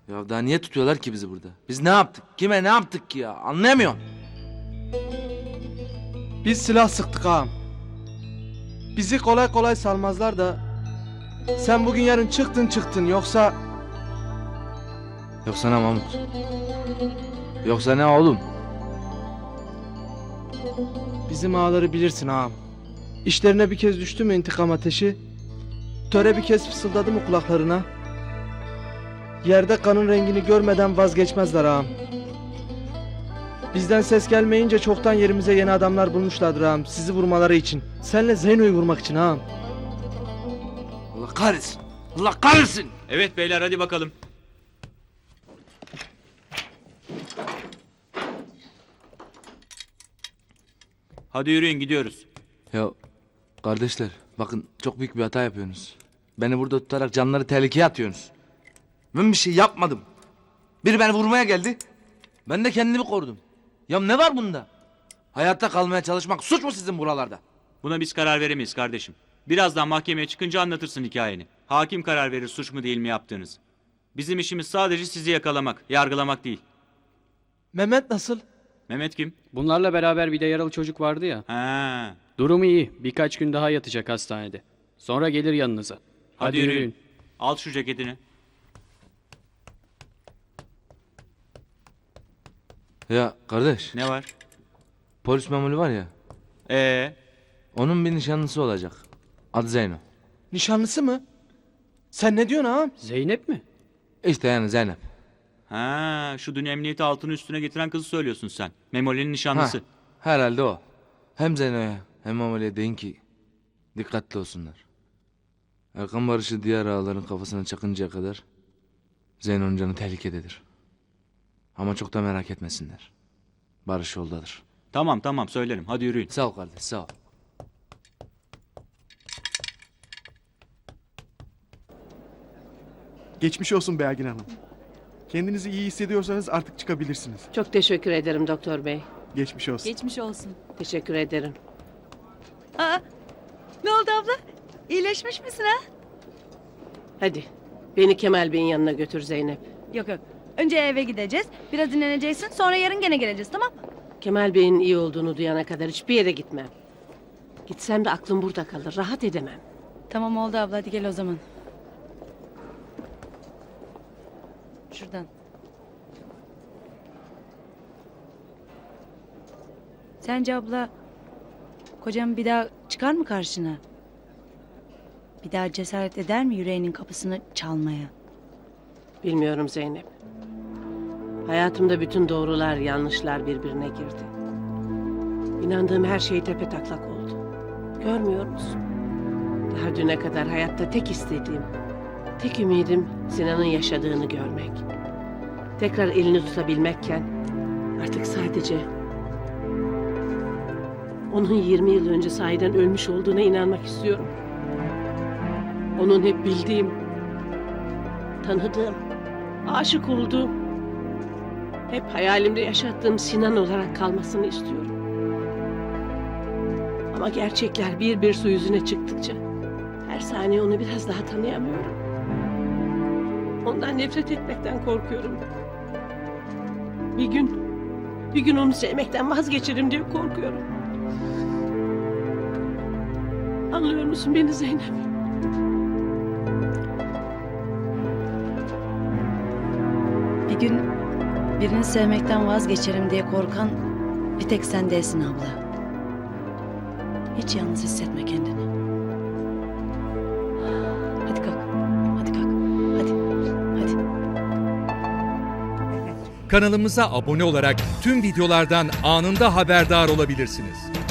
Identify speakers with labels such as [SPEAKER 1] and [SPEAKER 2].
[SPEAKER 1] Ya daha niye tutuyorlar ki bizi burada? Biz ne yaptık? Kime ne yaptık ki ya? Anlayamıyorum.
[SPEAKER 2] Biz silah sıktık ağam. Bizi kolay kolay salmazlar da... Sen bugün yarın çıktın yoksa...
[SPEAKER 1] Yoksa ne Mahmut? Yoksa ne oğlum?
[SPEAKER 2] Bizim ağaları bilirsin ağam. İşlerine bir kez düştü mü intikam ateşi... Töre bir kez fısıldadı mı kulaklarına... Yerde kanın rengini görmeden vazgeçmezler ağam. Bizden ses gelmeyince çoktan yerimize yeni adamlar bulmuşlardır ağam. Sizi vurmaları için. Senle Zeyno'yu vurmak için ağam.
[SPEAKER 1] Allah kahretsin. Allah kahretsin.
[SPEAKER 3] Evet beyler hadi bakalım. Hadi yürüyün gidiyoruz.
[SPEAKER 1] Ya kardeşler bakın çok büyük bir hata yapıyorsunuz. Beni burada tutarak canları tehlikeye atıyorsunuz. Ben bir şey yapmadım. Biri beni vurmaya geldi. Ben de kendimi korudum. Ya ne var bunda? Hayatta kalmaya çalışmak suç mu sizin buralarda?
[SPEAKER 3] Buna biz karar veremeyiz kardeşim. Birazdan mahkemeye çıkınca anlatırsın hikayeni. Hakim karar verir suç mu değil mi yaptığınız. Bizim işimiz sadece sizi yakalamak, yargılamak değil.
[SPEAKER 2] Mehmet nasıl?
[SPEAKER 3] Mehmet kim?
[SPEAKER 4] Bunlarla beraber bir de yaralı çocuk vardı ya.
[SPEAKER 3] Ha.
[SPEAKER 4] Durumu iyi. Birkaç gün daha yatacak hastanede. Sonra gelir yanınıza.
[SPEAKER 3] Hadi yürüyün. Al şu ceketini.
[SPEAKER 1] Ya kardeş
[SPEAKER 3] Ne var?
[SPEAKER 1] polis memuru var ya. Onun bir nişanlısı olacak. Adı Zeyno.
[SPEAKER 2] Nişanlısı mı? Sen ne diyorsun ağam?
[SPEAKER 4] Zeynep mi?
[SPEAKER 1] İşte yani Zeynep.
[SPEAKER 3] Ha, şu dün emniyeti altını üstüne getiren kızı söylüyorsun sen. Memoli'nin nişanlısı.
[SPEAKER 1] Ha, herhalde o. Hem Zeyno'ya hem Amali'ye deyin ki dikkatli olsunlar. Erkan Barış'ı diğer ağaların kafasına çakıncaya kadar Zeyno'nun canı tehlikededir. Ama çok da merak etmesinler. Barış yoldadır.
[SPEAKER 3] Tamam söylerim. Hadi yürüyün.
[SPEAKER 1] Sağ ol kardeş sağ ol.
[SPEAKER 5] Geçmiş olsun Belgin Hanım. Kendinizi iyi hissediyorsanız artık çıkabilirsiniz.
[SPEAKER 6] Çok teşekkür ederim doktor bey.
[SPEAKER 5] Geçmiş olsun.
[SPEAKER 7] Geçmiş olsun.
[SPEAKER 6] Teşekkür ederim.
[SPEAKER 7] Aa, ne oldu abla? İyileşmiş misin ha?
[SPEAKER 6] Hadi beni Kemal Bey'in yanına götür Zeynep.
[SPEAKER 7] Yok. Önce eve gideceğiz. Biraz dinleneceksin. Sonra yarın gene geleceğiz, tamam mı?
[SPEAKER 6] Kemal Bey'in iyi olduğunu duyana kadar hiçbir yere gitmem. Gitsem de aklım burada kalır. Rahat edemem.
[SPEAKER 7] Tamam oldu abla. Hadi gel o zaman. Şuradan. Sence abla kocam bir daha çıkar mı karşına? Bir daha cesaret eder mi yüreğinin kapısını çalmaya?
[SPEAKER 6] Bilmiyorum Zeynep. Hayatımda bütün doğrular, yanlışlar birbirine girdi. İnandığım her şey tepetaklak oldu. Görmüyor musun? Daha düne kadar hayatta tek istediğim, tek ümidim Sinan'ın yaşadığını görmek. Tekrar elini tutabilmekken artık sadece onun 20 yıl önce sahiden ölmüş olduğuna inanmak istiyorum. Onun hep bildiğim, tanıdığım, aşık olduğum, hep hayalimde yaşattığım Sinan olarak kalmasını istiyorum. Ama gerçekler bir bir su yüzüne çıktıkça her saniye onu biraz daha tanıyamıyorum. Ondan nefret etmekten korkuyorum. Bir gün onu sevmekten vazgeçerim diye korkuyorum. Anlıyor musun beni Zeynep?
[SPEAKER 7] Bir gün birini sevmekten vazgeçerim diye korkan bir tek sen değilsin abla. Hiç yalnız hissetme kendini. Hadi kalk. Hadi kalk. Hadi. Hadi.
[SPEAKER 8] Kanalımıza abone olarak tüm videolardan anında haberdar olabilirsiniz.